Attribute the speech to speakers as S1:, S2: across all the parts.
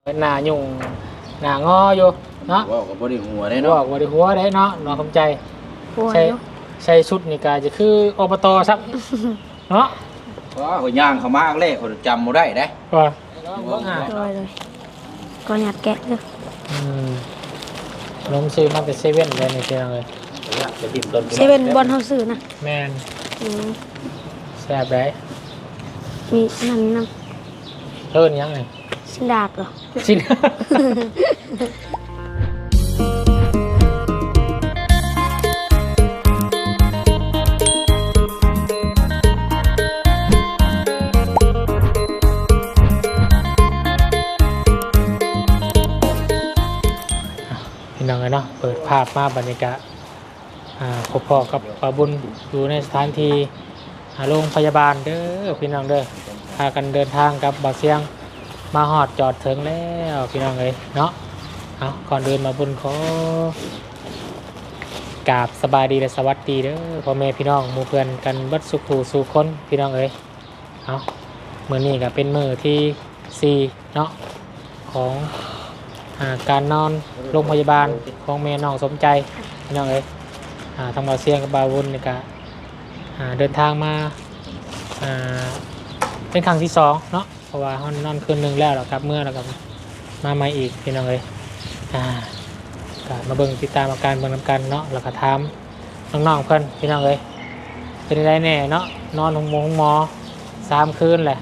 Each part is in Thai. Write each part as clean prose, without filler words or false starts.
S1: หน้ายุ่งหน้างออยู่เนาะ
S2: ว่ากับบริหัวได้
S1: บ
S2: เนาะ
S1: อกว่าได้หัวได้เนาะน้องสมใจใช่ใช่ชุดนี่ก็จะคืออบตซักเนาะ
S2: ว่าหัวย่างเขามากเลยเขาจำบ่ได้ได้
S1: ว่า
S3: เลยก็หยัดแกะเลย
S1: นมซื้อมาเป็นเซเว่นเลยนี่เจ้าเลย
S2: จะดิ้นต้น
S3: เซเว่นบอลเฮาซื้อนะ
S1: แมน
S3: อืม
S1: แซ่บได้
S3: มีนั่นน
S1: เพิ่นยังไง
S3: ำสินดาบเหรอ
S1: ชิ้นพี่น้องเลยเนาะเปิดภาพมาบรรยากาศพบพ่อกับป้าบุญอยู่ในสถานที่โรงพยาบาลเด้อพี่น้องเด้อพากันเดินทางกับบ่อเสียงมาหอดจอดถึงแล้วพี่น้องเลยเนาะเอาก่อนเดินมาบุญขอกราบสบายดีและสวัสดีเด้อพ่อแม่พี่น้องหมู่เพื่อนกันเบัดสุขถูสู่คนพี่น้องเอ้ยเอามื้อนี้ก็เป็นมื้อที่4เนาะของการนอนโรงพยาบาลของแม่น้องสมใจพี่น้องเอ้ยทางบ่อเสียงกับบาวบุญนี่ก็เดินทางมาเป็นครั้งที่2เนาะเพราะว่าเฮานอนคืนนึงแล้วแล้วครับเมื่อแล้วก็มาใหม่อีกพี่น้องเอ้ยก็มาเบิ่งติดตามอาการเบิ่งนำกันเนาะแล้วก็ถามน้องๆเพิ่นพี่น้องเอ้ยเป็นไดแน่เนาะนอนห้องหมอ3คืนแหละ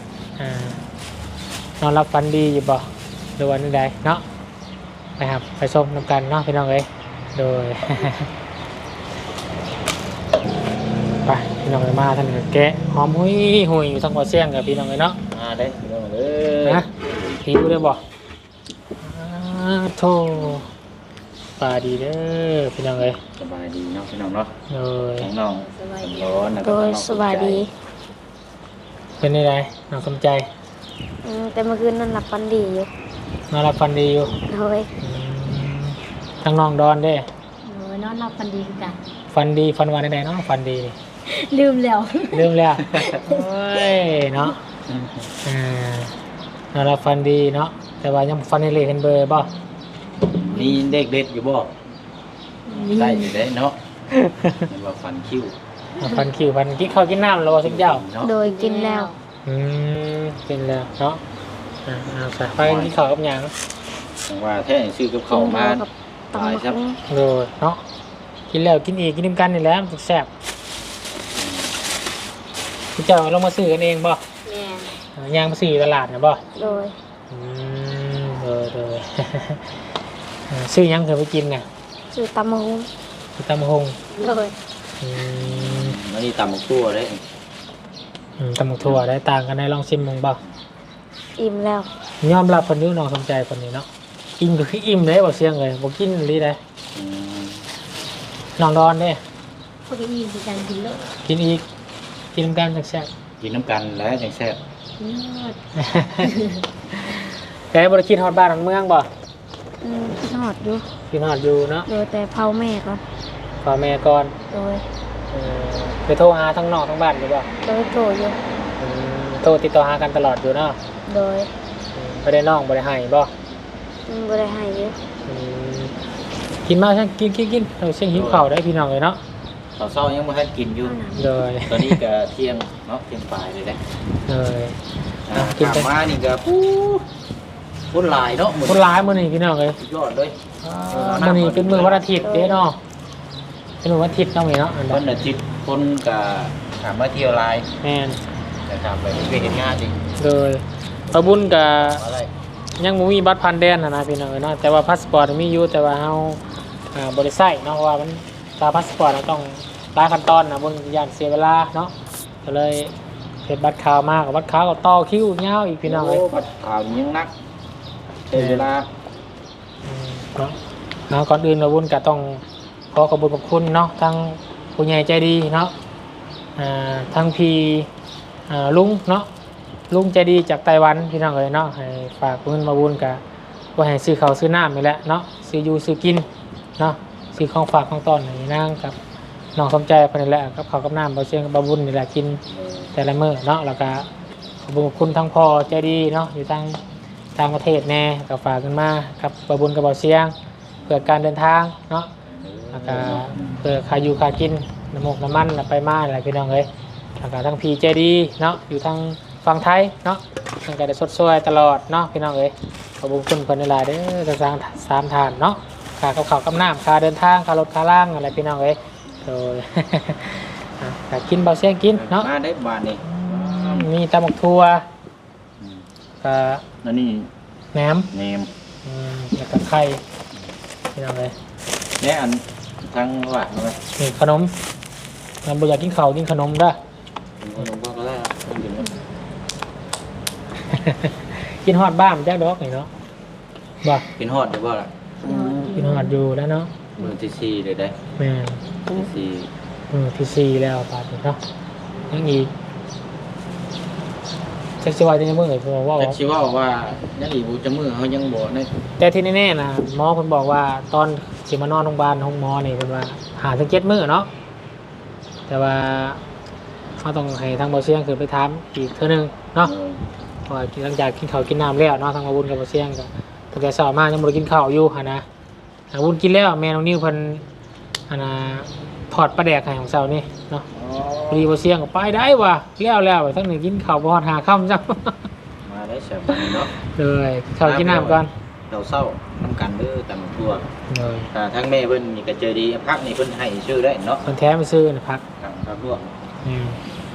S1: นอนรับฝันดีอยู่บ่หรือว่าจังไดเนาะไปครับไปชมนำกันเนาะพี่น้องเอ้ยโดย ไปพี่น้องเอ้ยมาท่านก็แกะหอมหุยหุยอยู่ทั้งหัวเสียงกับพี่น้องเอ้ยเนาะ
S2: ได้พี่น้องเลย
S1: นะหิวได้บ่โธ่ปลาดีเด้อพี่น้องเอ้ย
S2: สบายดีเนาะพี่น้องเนาะ
S1: โดย
S2: น้องร้อนนะ
S3: โดยสบายดี
S1: เป็นยังไงน้องสมใจ
S3: แต่เมื่อคืนนั่นหลับฝันดีอยู่
S1: นอนรับฟันดีอยู่
S3: โดย
S1: ทั้งน้องดอนเด้
S3: โดยนอนหลับฝันดีกัน
S1: ฟันดีฟันวันใดๆเนาะฟันดีนี่
S3: ลืมแล้ว
S1: ลืมแล้วโอ้ยเนาะนอนรับฟันดีเนาะแต่ว่ายังฟันในเลเห็นเบอร์บ่
S2: นี่เด็กเด็ดอยู่บ่ได้อยู่ได้เนาะมันว่าฟันคิ้ว
S1: ฟันคิวฟันกินข้าวกินน้ำแล้วบ่สักเจ้า
S2: เนาะ
S3: โดยกินแล้ว
S1: เป็นแล้วเนาะเอาใส่ไปกินข้าวกับหยัง
S2: ว่าแท้ซื้อกับเขามา
S3: กับตำ
S2: หลาย
S3: มะ
S2: ครับ
S3: ม่วง
S1: โดยเนาะกินแล้วกินอีกกินน้ำกันนี่แหละมันแซ่บพี่เจ้าลงมาซื้อกันเองบ่
S3: แม่
S1: ย่างมาซื้ออยู่ตลาดนะบ่
S3: โดย
S1: โดย ซื้อหยังเคยไปกินน่ะ
S3: ซื้อตำมะม่วง
S1: ซื้อตำหง
S3: โดย
S2: แล้วนี่ตำบักตัวได้
S1: ตำหมกถั่วได้ต่างกันในลองชิมมึงบ่
S3: อิ่มแล้ว
S1: ยอมรับคนนี้น้องสนใจคนนี้เนาะอิ่มก็คืออิ่มเลยบ่เสียงเลยบ่กินเลยได้น้องดอนเด้
S3: พวกนี้มีการกินแล้ว
S1: กินอีกกินน้ำกันจังแซ่บ
S2: กินน้ำกันแล้วจังแซ่บ
S3: ยอด
S1: แกบริคิดฮอดบ้านฮอดเมืองบ่
S3: กินหอดอยู่
S1: คิดฮอดอยู่เนาะ
S3: โดยแต่เผาแม่ก่อน
S1: พ่อแม่ก่อน
S3: โดย
S1: ไปโทรหาทั้งนอกทั้งบ้านอยู่บ่
S3: โดยโตอยู่
S1: โทรติดต่อหากันตลอดอยู่เนาะ
S3: โดย
S1: บ่ได้น้องบ่ได้ให้บ่
S3: บ่ได้ให้อยู่
S1: กินมาซั่นกินเราเสียงหิวข้าวได้พี่น้องเลยเนาะ
S2: ตอนเช้ายังไม่ทันกินอยู่
S1: เลย
S2: ตอนนี้ก็เที่ยงเนาะเที่ยงปลายเลยนะ
S1: เลย
S2: กินมานี่ก็คนหลายเนาะ
S1: คนร้ายมื้อนี้พี่น้องเลย
S2: ยอดเลย
S1: มื้อนี้เป็นมื้อวันอาทิตย์เด้เนาะเป็นมื้อวันอาทิตย์เนาะแม่เนาะอัน
S2: ค
S1: นั้น
S2: นอาทิตย์คนก็ถามมาเที่ยวลาย
S1: แม่น
S2: แต่ถามไปไปเห็นงานจริง
S1: เลยพระบุญก็
S2: อะไร
S1: ยังบ่มีบัตรผ่านแดนนะพี่น้องเอ้ยเนาะแต่ว่าพาสปอร์ตมีอยู่แต่ว่าเฮาบ่ได้ใช้เนาะเพราะว่ามันตามพาสปอร์ตเราต้องหลายขั้นตอนนะบนย่านเสียเวลาเนาะก็เลยเฮ็ดบัตรขาวมากับบัตรขาวก็ต่อคิวยาวอีกพี่น้องเอ้ย
S2: บัดข่าวนี้ยังนักใช้เวลา
S1: เนาะเอาก่อนอื่นเราบุญก็ต้องขอขอบคุณเนาะทั้งผู้ใหญ่ใจดีเนาะทั้งพี่ลุงเนาะลุงใจดีจากไต้หวันพี่น้องเอ้ยเนาะให้ฝากเงินมาบุญก็ว่าให้ซื้อข้าวซื้อน้ำนี่แหละเนาะซื้ออยู่ซื้อกินเนาะซื้อของฝากของต้อนให้นางกับน้องสมใจเพิ่นนี่แหละกับข้าวกับน้ำบ่เชียงกับบ่บุญนี่แหละกินแต่ละมื้อเนาะแล้วก็ขอบคุณทั้งพ่อใจดีเนาะอยู่ทางต่างประเทศแน่ก็ฝากกันมากับบาวบุญกับบ่าวเสียงเพื่อการเดินทางเนาะแล้วก็เพื่อค่าอยู่ค่ากินน้ำมกน้ำมันไปมาอะไรพี่น้องเอ้ยแล้วก็ทั้งพีเจดีเนาะอยู่ทางฝั่งไทยเนาะมันก็ได้สดสวยตลอดเนาะพี่น้องเอ้ยขอบคุณเพิ่นหลายๆเด้อจะสร้าง3ทานเนาะค่ากับข้าวกับน้ำค่าเดินทางค่ารถค่าล่างอะไรพี่น้องเอ้ยโดย แต่กินบ่าวเสียงกินเนาะ
S2: มาได้บาทนี่
S1: มีตำบักทั่วกับ
S2: นั่นนี่
S1: แหนม
S2: เนม
S1: แล้วก็ไข่พี่น้องเลย
S2: เนี่ยอันทางว่าทำไม
S1: นี่ขนมเราบ่อยากกินข้าวกินขนมเด้อ
S2: หลวงพ่อก็ได้ครับต้องกิน
S1: กินฮอดบ้านแจ๊กดอกนี่เนาะบ่
S2: กินฮอดหรือว่าล่ะ
S1: กินฮอดอยู่แล้วเนาะ
S2: มือที่สี่เลยได้
S1: แม่น
S2: ที่สี่
S1: ที่4แล้วบาดนี้เนาะยังอีกจักสิว่าจังมื้อเพิ่นบอกว่า
S2: แต่ชีว่าว่ายังอีกจะมือเขายังบอกได้
S1: แต่ที่แน่ๆนะหมอเพิ่นบอกว่าตอนสิมานอนโรงพยาบาลห้องหมอนี่เพิ่นว่าหาถึง7มื้อเนาะแต่ว่าเขาต้องให้ทางบ่เสียงขึ้นไปถามอีกเทื่อนึงเนาะ พอหลังจากกินข้าวกินน้ำแล้วเนาะทางอาวุธกับบ่เสียงก็ตั้งแต่เช้ามายังบ่ได้กินข้าวอยู่หั่นนะอาวุธกินแล้วแม่น้องนิ้วเพิ่นหั่นน่ะทอดปลาแดกให้ของเช้านี่เนาะพอดีบ่เสียงก็ไปได้ว่ะแล้วทั้งนี้กินข้าวบ่ฮอดหาค่ำจัง
S2: มาได้เสียบเนาะ
S1: เลยข้าวกินน้ำก่อน
S2: เราเศร้าน้ำกันเด้อตำทั่ว
S1: เลย
S2: แต่ทั้งแม่เพิ่นนี่ก็เจอดีพักนี่เพิ่นให้ชื่อได้เนาะ
S1: เพิ่นแท้มาซื้อนะพัก
S2: ครับลวก
S1: อืม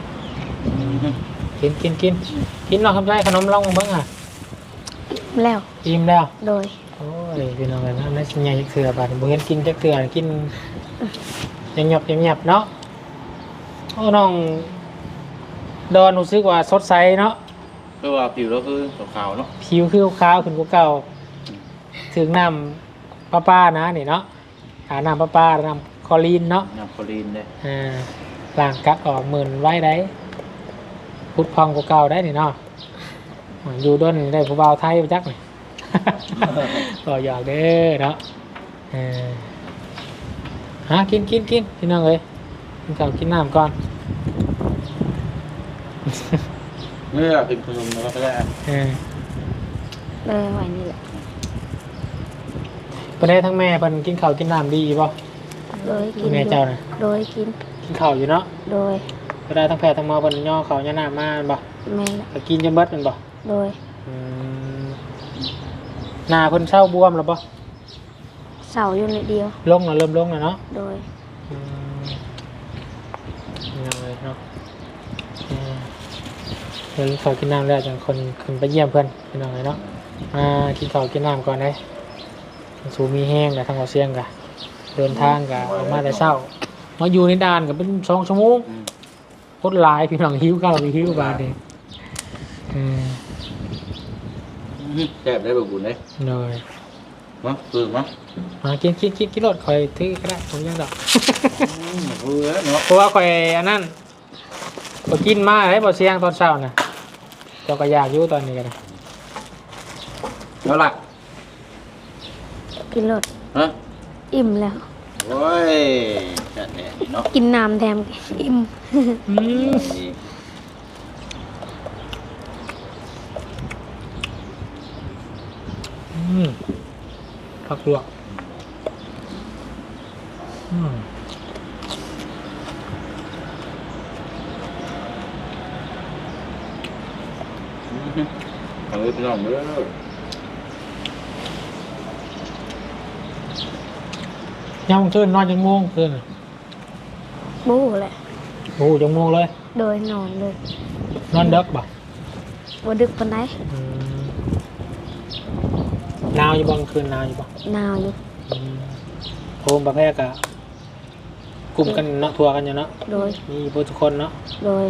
S1: กินเนาะคำใจขนมลองเบิ่งอ่ะ
S3: แล้ว
S1: อิ่มแล้ว
S3: โดย
S1: โอ้ยพี่น้องกันนะนั่นสิใหญ่จักเทื่อบาดบ่เห็นกินจักเทื่อกินยังหยับเนาะโอ้น้องดอนรู้สึกว่าสดใสเนาะ
S2: คือว่าผิวเราคือขาวๆเนาะ
S1: ผิวคือขาวขึ้นกว่าเก่าถึงน้ำป้านะนี่เนาะหาน้ำป้าน้ำคลอรีนเนาะ
S2: น้ำโคลีนเด้
S1: ล้างกัดออกหมื่นไว้ได้พุดพองกว่าเก่าได้นี่เนาะอยู่ด้นได้ผู้บ่าวไทยไปจักหน่อย ก็อยากเด้อเนาะกินพี่น้องเอ้ยกินข้าวกินน้ำก่อน
S2: เมื่อเป็นขนมแล้วก็ได้
S3: เลยไหวนี่แหละ
S1: ประเทศทั้งแม่เพิ่นกินข้าวกินน้ำดีป่ะ
S3: โดยกิน
S1: แม่เจ้าน่ะ
S3: โดยกิน
S1: กินข้าวอยู่เนาะ
S3: โดย
S1: ก็ได้ทั้งแพทย์ทั้งหมอเพิ่นย่อข้าวย่อน้ำมาบ่
S3: แม่ละ
S1: ก็กินจนเบิดแม่นบ่
S3: โดย
S1: หน้าเพิ่นเศร้าบวมแล้วบ่
S3: เสาอยู่ในเดียว
S1: ลงแล้วเริ่มลงแล้วเนาะ
S3: โดย
S1: ยังเลยเนาะเดี๋ยวข้าวกินน้ำแล้วจังคนขึ้นไปเยี่ยมเพิ่นพี่น้องเลยเนาะกินข้าวกินน้ำก่อนได้สูมีแห้งกับทางเอาเสียงกะเดินทางกะออกมาแต่เช้ามาอยู่ในด่านก็เป็น2 ชั่วโมงโคตรหลายพี่น้องหิวข้าวหิวบาดเด้
S2: แซ่บได้แบบบุญเลย
S1: เลย
S2: มั้งคือมั้ง
S1: กินรถคอยถือก็ได้ผมยังดอก
S2: เออเนาะ
S1: เพราะว่าคอยอันนั้นก็กินมาได้บ่เสียงตอนเช้าน่ะเจ้าก็อยากอยู่ตอนนี้กันนะ
S2: แล้วหลัก
S3: กินรส
S2: ฮะ
S3: อิ่มแล้ว
S2: โอ้ยจัดแดดเนาะ
S3: กินน้ำแถมอิ่ม
S1: ผักลวก
S2: เอาไว้พี่น้องเด้อ
S1: ย่างคืนนอนจังม่วงคืน
S3: บู๊แหละ
S1: โอ้จังม่วงเลย
S3: โดยนอนเลย
S1: นอนเด็กบ่
S3: บ่ดึกปานใด
S1: หนาวอยู่บ่คืนหนาวอยู่บ่
S3: หนาวอยู่
S1: โฮมประเภทกะกลุ่มกันเนาะทัวร์กันอยู่เนาะ
S3: โดย
S1: มีเพื่ทุกคนเนาะ
S3: โดย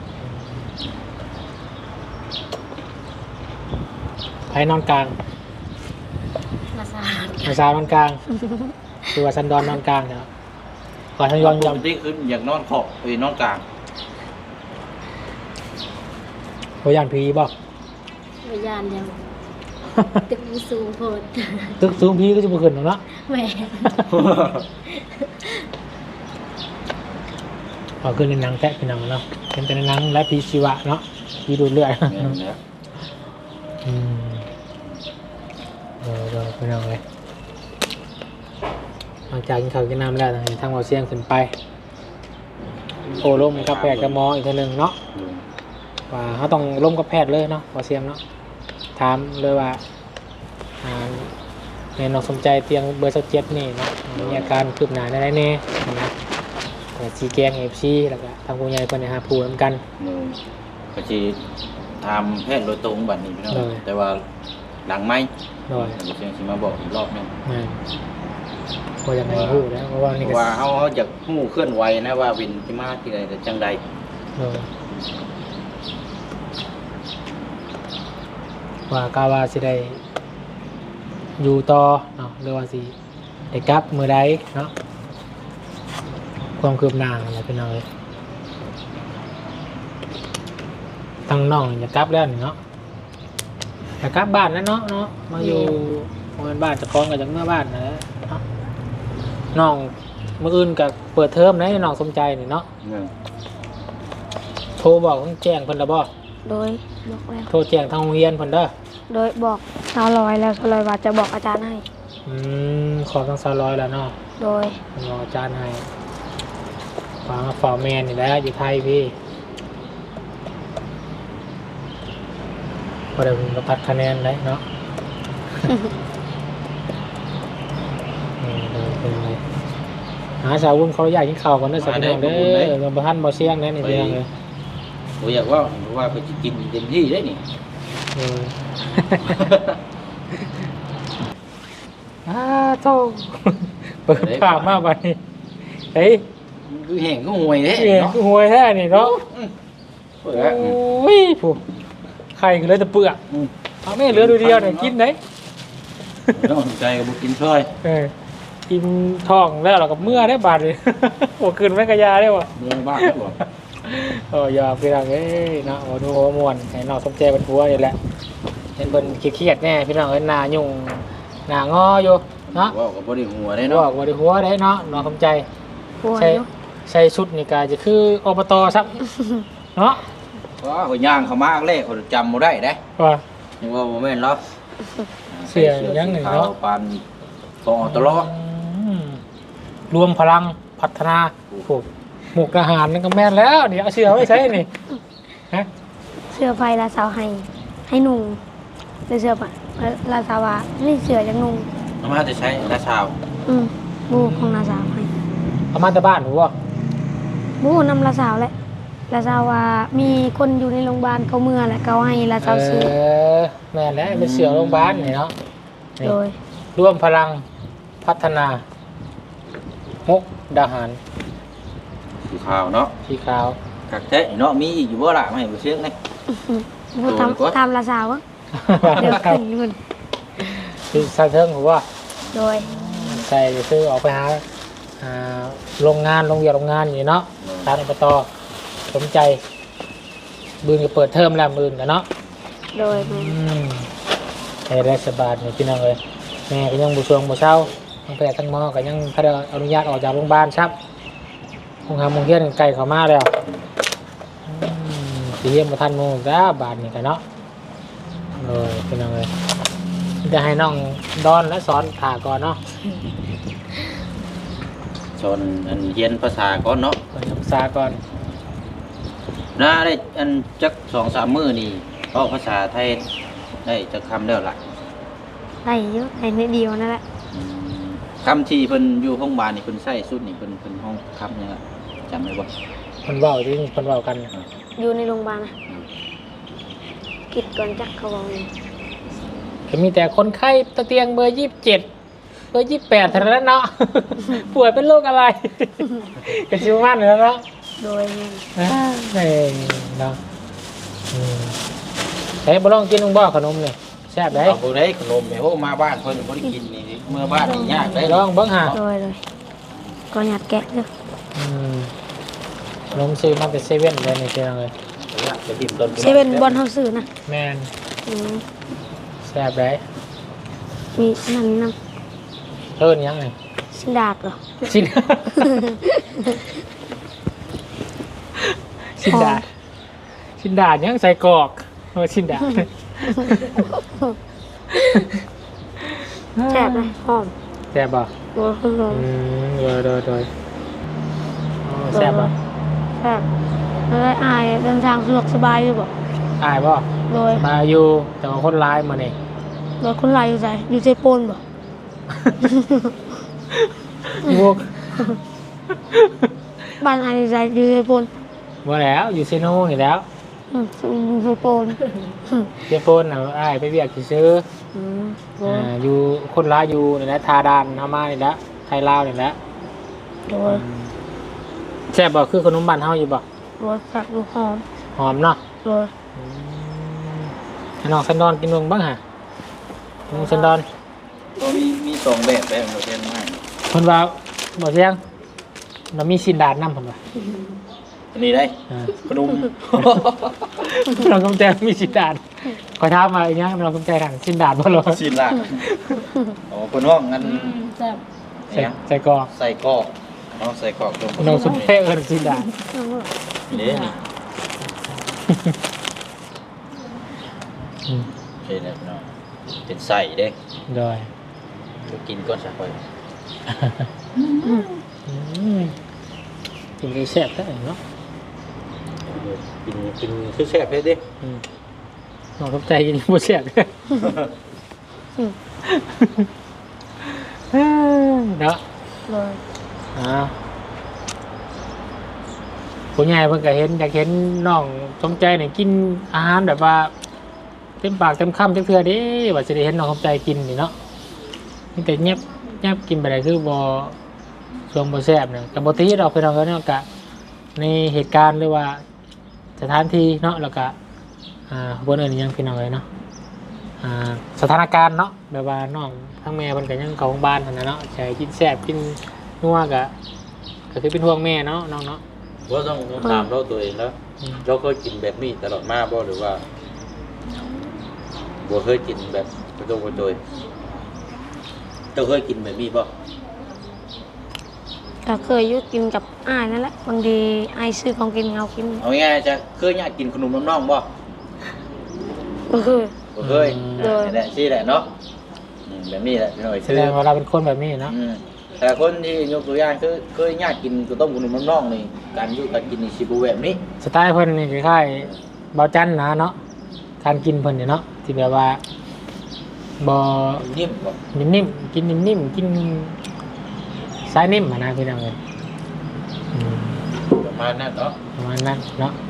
S1: ใครนอนกลาง
S3: มาสาด
S1: อาซานอนกลาง คือว่าซันดอนนอนกลางเนาะขอทันยอนย
S2: ที่ขึ้นอยากนอนขอบไปนอนกลาง
S1: ำตัวอย่างผีบ่
S4: วิญญาณยังตึกมีสูงโพด
S1: ตึกสูงผีก็จะบ่ขึ้นหรอกเนาะ
S4: แหม่
S1: เอาขึ้นในหนังแทะเป็นหนังเนาะเป็นแต่ในหนังและผีชีวะเนาะผีดูดเลือด
S2: เนี่ยนะ
S1: อืมเราไปนอนเลยหลังจากกินข้าวกินน้ำแล้วทางเราเสียงขึ้นไปโอ้ล่มกับแพทย์กับหมออีกทีหนึ่งเนาะว่าเขาต้องล่มกับแพทย์เลยเนาะเราเสียงเนาะถามเลยว่าในน้องสมใจเตียงเบอร์27นี่เนาะมีอาการคืบหน้าได้แน่นะซีแกงFCแล้วก็ทางผู้ใหญ่เพิ่นให้หาผู้นำกัน
S2: ก็สิทำแพทย์โดยตรงบัดนี้พี่น้องแต่ว่าหลังไม้
S1: โดย
S2: เสียงสิมาบอกอีกรอบนึง
S1: ก็ยังไงฮู้แล้วเพราะว่านี่ก็
S2: ว่าเขาอยากฮู้เคลื่อนไหวนะว่าวินที่มาที่ใดแต่จังใด
S1: ว่ากาวาสิได้อยู่ต่อเนาะหรือว่าสิได้กลับมื้อใดเนาะความคืบหน้าอะไรเป็นเอาเลยตั้งน้องจะกลับแล้วนี่เนาะจะกลับบ้านแล้วเนาะมาอยู่บ้านจะคล้องกับจากเมื่อบ้านนะเนาะน้องมื้ออื่นกับเปิดเทอมนะน้องสมใจนี่เนาะโทรบอกต้องแจ้งเพิ่นแล้วบ่
S3: โดยบอกแล้ว
S1: โทรแจ้งทางโรงเรียนเพิ่นเด้อ
S3: โดยบอกชาวลอยแล้วชาวลอยว่าจะบอกอาจารย์ให้
S1: ขอทาง200แล้วเนาะ
S3: โดย
S1: รออาจารย์ให้ฟังฟอร์แมนนี่แหละอยู่ไทยพี่พอได้ผมก็ตัดคะแนนได้เนาะ เป็นไงหาชาววุ้นเขาอยากกินข้าวกันเด้อสักหน่อยเด้อเราบ่ทันบ่เสี่ยงแน่นี่เพียงเลย
S2: ผมอยากว่าไปกินเต็มที่ได้นี่
S1: โธ่เปิดภาพมาบัดนี้เฮ้ย
S2: คือแห้งก็ห่วยเด้
S1: เนาะ
S2: เนาะ
S1: หวยแท้นี่เนาะ
S2: เปิด
S1: โอ้ยผู้ไข่ก็เลยแต่เปลือกเอาแม่เหลือดูเดียวเนี่ยกินไหน
S2: น้องใจกับบุกินซอย
S1: กินท้องแล้วเรากับเมื่อได้บาดเลย หัวคืนไม่กระยาได้วะ
S2: เมืองบ้านครับผม
S1: อย่าไปดังเนาะดูหัวมวนให้น้องสมใจเป็นผัวนี่แหละเห็นเป็นเครียดแน่พี่น้องเห็นหน้ายุ่งหน้างออยู่เนาะ
S2: ว่ากับบริหัวได้
S1: บ
S2: เนาะ
S1: อกว่าได้หัวได้เนาะน้องสมใจ
S3: ป่วย
S1: ใช่
S3: เนาะ
S1: ใส่ชุดนี่กาจะคืออบตซับเนาะ
S2: ว่าหัวย่างเขามากเลยเขาจำบ่ได้ได้
S1: ว่า
S2: ยังว่าโมเมนต์เนาะ
S1: เสียยังหนึ่งเนาะ
S2: ปันฟองตลอด
S1: รวมพลังพัฒนาผูกหมกอาหารนั่นก็แม่นแล้วเดี๋ยวเอาเชือไว้ใช้นี่ฮะ
S3: เสื้อไฟลาสาวให้นุ่งหรือเสื้อผ้าลาสาวานี่เสื้อจังนุ่ง
S2: น้ำมันจะใช้ราชาว
S3: บูของลาสาวให้
S1: เอามาแต่บ้านหัว
S3: บูนำลาสาวแหละลาสาวามีคนอยู่ในโรงพยาบาลเขาเมื่อแหละเขาให้ลาสาวซื้อ
S1: แม่นแล้วเป็นเสือโรงพยาบาลนี่เนาะนี่
S3: โดย
S1: ร่วมพลังพัฒนามุกดาหาร
S2: สีขาวเนาะ
S1: สีขาว
S2: กักเทะเนาะมีอีกอยู่บ่ล่ะไม่เห็นบ่เชื่องนี่
S3: บูทำลาสาวอะเดี๋ยวขึ้นเงิน
S1: ที่ซาเทิงหัว
S3: โดย
S1: ใส่ซื้อออกไปหาโรงงานโรงเรียนโรงงานอยู่เนาะทางอบตสนใจบืนก็เปิดเทอมแล้วบืนกันเนาะ
S3: โดย
S1: ให้ได้สบายเนี่ยพี่น้องเลยแม่ก็ยังบุชวงบุเช่าทั้งแพทย์ทั้งหมอก็ยังพระอนุญาตออกจากโรงพยาบาลครับโรงพยาบาลมงเทียนไกลเขามาแล้วสีเยี่ยมมาทันโมงจ้าบาทนี่กันเนาะเลยพี่น้องเลยจะให้น้องดอนและสอนผ่าก่อนเนาะ
S2: สอนอันเรียนภาษาก่อนเนาะ
S1: ก่อนศึกษาก่อน
S2: น่าได้อันจัก 2-3 มื้อนี่เอาภาษาไทยได้จักคำแล้วล่ะ
S3: ได้เยอะได้นิดเดียวนั่นแหละ
S2: คำที่เพิ่นอยู่ห้องบาลนี่เพิ่นใช้สุดนี่เพิ่นห้องคำยังไงจำได้บ่
S1: คนเว้าที่คนเว้ากัน
S3: อยู่ในโรงพยาบาลนะกิดก่อนจักเขาบอกเลย
S1: ก็มีแต่คนไข้ตะเตียงเบอร์27เบอร์28เท่านั้นเนาะ ป่วยเป็นโรคอะไร ก็ชิวมากเลยเนาะ
S3: โดยแม่น
S1: เนาะใช้บ่ลองกินลุงบ่ขนมนี่แซ่บได้
S2: เอาบ่ได้ขนมแม่โหมาบ้านเพิ่นบ่ได้กินนี่เมื่อบ้านนี่ยากได้
S1: ลองเบิ่งหา
S3: โดยเลยก็หยัดแกะเลย
S1: ขนมซื้อมาแต่เซเว่นเลยนี่เจ้าเลย
S2: ไปทิ่มต้น
S3: เซเว่นบอลเฮาซื้อนะ
S1: แม่น
S3: อืม
S1: แซ่บได้
S3: มีนั่นน้
S1: เอิ้นหยังนี่
S3: ำสินดาดเหรอ
S1: สิน สินดาดสินดาดยังใส่กรอกสินดาด
S3: แซ่บเลยหอม
S1: แซ่บบ่
S3: โดยหอม
S1: โดยอ๋อแซ่บบ่
S3: แซ่บแล้วอายเดินทางสะดวกสบายอยู่บ่
S1: อายบ่
S3: โดย
S1: มาอยู่แต่ว่าคนร้ายมานี่
S3: โดยคนไรอยู่ใจอยู่ใจโปนบ่
S1: พวก
S3: บ้านอายอยู่ใจอยู่ใจโปน
S1: บ่แล้วอยู่เซโนนี่แล้ว
S3: อยู่ใจโปน
S1: เจ้าโปนน่ะอ้ายไปเวียกซื้อ
S3: โดย
S1: อยู่คนร้ายอยู่นี่แหละทาดานเฮามานี่แหละไทยลาวนี่แหละ
S3: โดย
S1: แซ่บบ่คือขนมบ้านเฮาอยู่บ่
S3: โดยแซ่บดูหอม
S1: หอมเนาะ
S3: โดย
S1: ให้น้องสันดอนกินเบิ่งบ้างฮะน้องสันดอน
S2: มีสองแบบแบบเราเรียนง่าย
S1: เพิ่นว่าบ่เสียงเรามีสินดาดนำเพิ่นว่า
S2: อันนี้ได้ ขนม
S1: เรากำแจมีสินดาดขอถามมาอีกอย่างเรากำแจทางสินดาดบ่ล่ะ
S2: สินล่ะอ๋อคนห้องงั้น
S4: แซ่บ
S1: ใส่กรอก
S2: ใส่กรอกเนาะใส่กรอกตรง
S1: น้องสุเพเอิ้นสินดาด
S2: นี่นี่ใช่แล้วเนาะเป็นใส่เด้
S1: โดย
S2: ไปกินก่อนสักไป
S1: กินได้แซ่บได้เนาะ
S2: กินคือแซ่บเด้ดิ
S1: น้องกำใจกินบ่แซ่บเด้อเนาะ
S3: โดย
S1: ผู้ใหญ่เพิ่นก็เห็นอยากเห็นน้องสมใจนี่กินอาหารแบบว่าเต็มปากเต็มคำจักเทื่อเด้ว่าสิได้เห็นน้องสมใจกินนี่เนาะนี่แต่เงียบกินไปได้คือบ่ช่วงบ่แซ่บเนี่ยก็บ่ตีดอกพี่น้องเนาะก็ในเหตุการณ์หรือว่าสถานที่เนาะแล้วก็บ่เอิ้นอิหยังพี่น้องเอ้ยเนาะสถานการณ์เนาะแบบว่าน้องทั้งแม่เพิ่นก็ยังเข้าโรงพยาบาลหั่นน่ะเนาะใช่กินแซ่บกินนัวก็คือเป็นห่วงแม่เนาะน้องเนาะ
S2: ว่าต้องถามเราตัวเองแล้วเราเคยกินแบบนี้ตลอดมาบ่หรือว่าบ่เคยกินแบบกระโดดกระโดยเจ้าเคยกินแบบนี้บ่
S3: ก็เคยอยุกินกับอ้ายนั่นแหละบางทีอ้ายซื้อของกินเอากิน
S2: เอาง่ายๆจะเคยอยากกินขนมน้องๆบ่
S3: ก็คือ
S2: บ่เคย
S3: โดย
S2: นี่แหละชื่อแหละเนาะแบบนี้แหละพี่น้อย
S1: แส
S2: ชื่อ
S1: ดงว่าเราเป็นคนแบบนี้เนาะ
S2: แต่คนที่ยกตัวอย่างคือเคยอยากกินข้าวต้มขนมน้องๆนี่การอยู่การกินนี่สิบ่แบบนี้
S1: สไตล์เพิ่นนี่คล้ายๆเบาจันนะเนาะการกินเพิ่นนี่เนาะที่แบบว่าบ่
S2: นิ่มบ่
S1: นิ่มๆกินนิ่มๆกินสายนิ่มอะนะพี่น้องเอ้ย
S2: ประมาณนั้นเนาะ
S1: ประมาณนั้นเนาะ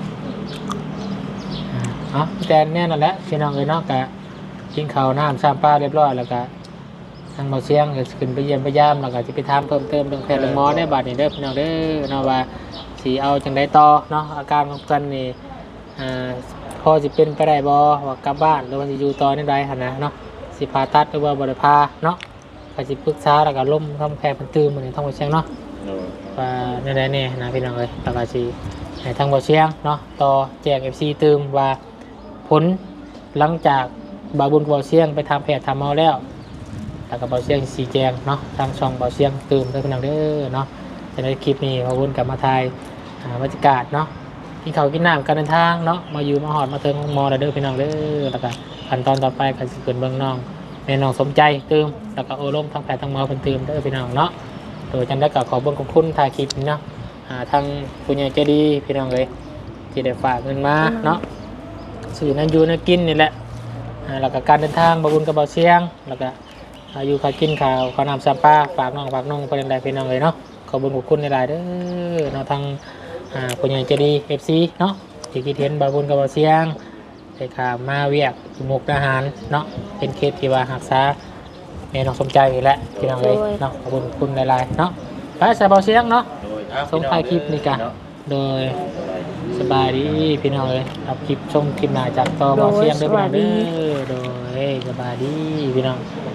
S1: แต่แน่นั่นแหละพี่น้องเอ้ยเนาะก็กินข้าวน้ำซ้ำปลาเรียบร้อยแล้วก็ทางเบาเสียงก็ขึ้นไปเยี่ยมไปยามแล้วก็จะไปถามเพิ่มเติมเรื่องแพทย์เรื่องหมอได้บัดนี้เด้อพี่น้องเด้อเนาะว่าสิเอาจังไดต่อเนาะอาการของเพิ่นนี่พอสิเป็นไปได้บ่ว่ากลับบ้านหรือว่าสิอยู่ต่อในใดหั่นนะเนาะสิผ่าตัดหรือว่าบ่ได้ผ่าเนาะก็สิปรึกษาแล้วก็ล้มทำแพทย์เพิ่นตื่นมื้อนี้ทางเบาเสียงเนาะว่าในใดแน่นะพี่น้องเอ้ยแล้วก็สิให้ทางเบาเสียงเนาะต่อแจ้ง FC ตื่มว่าผลหลังจากบาบุญกับเบาเสียงไปทำแพทย์ทำหมอแล้วแล้วก็เบาเสียงสีแจงเนาะทางช่องเบาเสียงตื่มเด้อพี่น้องเด้อเนาะจะได้คลิปนี้บาบุญกลับมาถ่ายบรรยากาศเนาะกินข้าวกินน้ำการเดินทางเนาะมาอยู่มาหอดมาเทิงของหมอแล้วเด้อพี่น้องเด้อแล้วก็ขั้นตอนต่อไปก็สิเกิดเบิ่งน้องแม่น้องสมใจตื่มแล้วก็โอลมทางแพทย์ทางหมอเพิ่นตื่มเด้อพี่น้องเนาะโดยจันได้ก็ขอเบิ่งขอบคุณถ่ายคลิปนี้เนาะทางผู้ใหญ่ใจดีพี่น้องเลยที่ได้ฝากเงินมาเนาะสื่อนั้นอยู่นั่นกินนี่แหละแล้วก็การเดินทางบาบุญกับเบาเสียงแล้วก็อยู่ข้าวกินข้าวข้าวน้ำซัมป้าฝากน้องไปใดพี่น้องเลยเนาะขอบุญขอบคุณในหลายเด้อเนาะทางผู้ใหญ่ใจดี FC เนาะที่คิดเห็นบาบุญกับเบาเสียงได้ข่าวมาเวียกมุกอาหารเนาะเป็นเคสที่ว่าหักษาแม่น้องสมใจอีกแล้วพี่น้องเลยเนาะขอบคุณหลายๆเนาะไปใส่เบาเสียงเนาะส่งท้ายคลิปนี่กันโดยสบายดีพี่น้องเลยรับคลิปชมคลิปหน้าจากต่อเบาเสียงเด้อพี่น้องเด้อโดยสบายดีพี่น้อง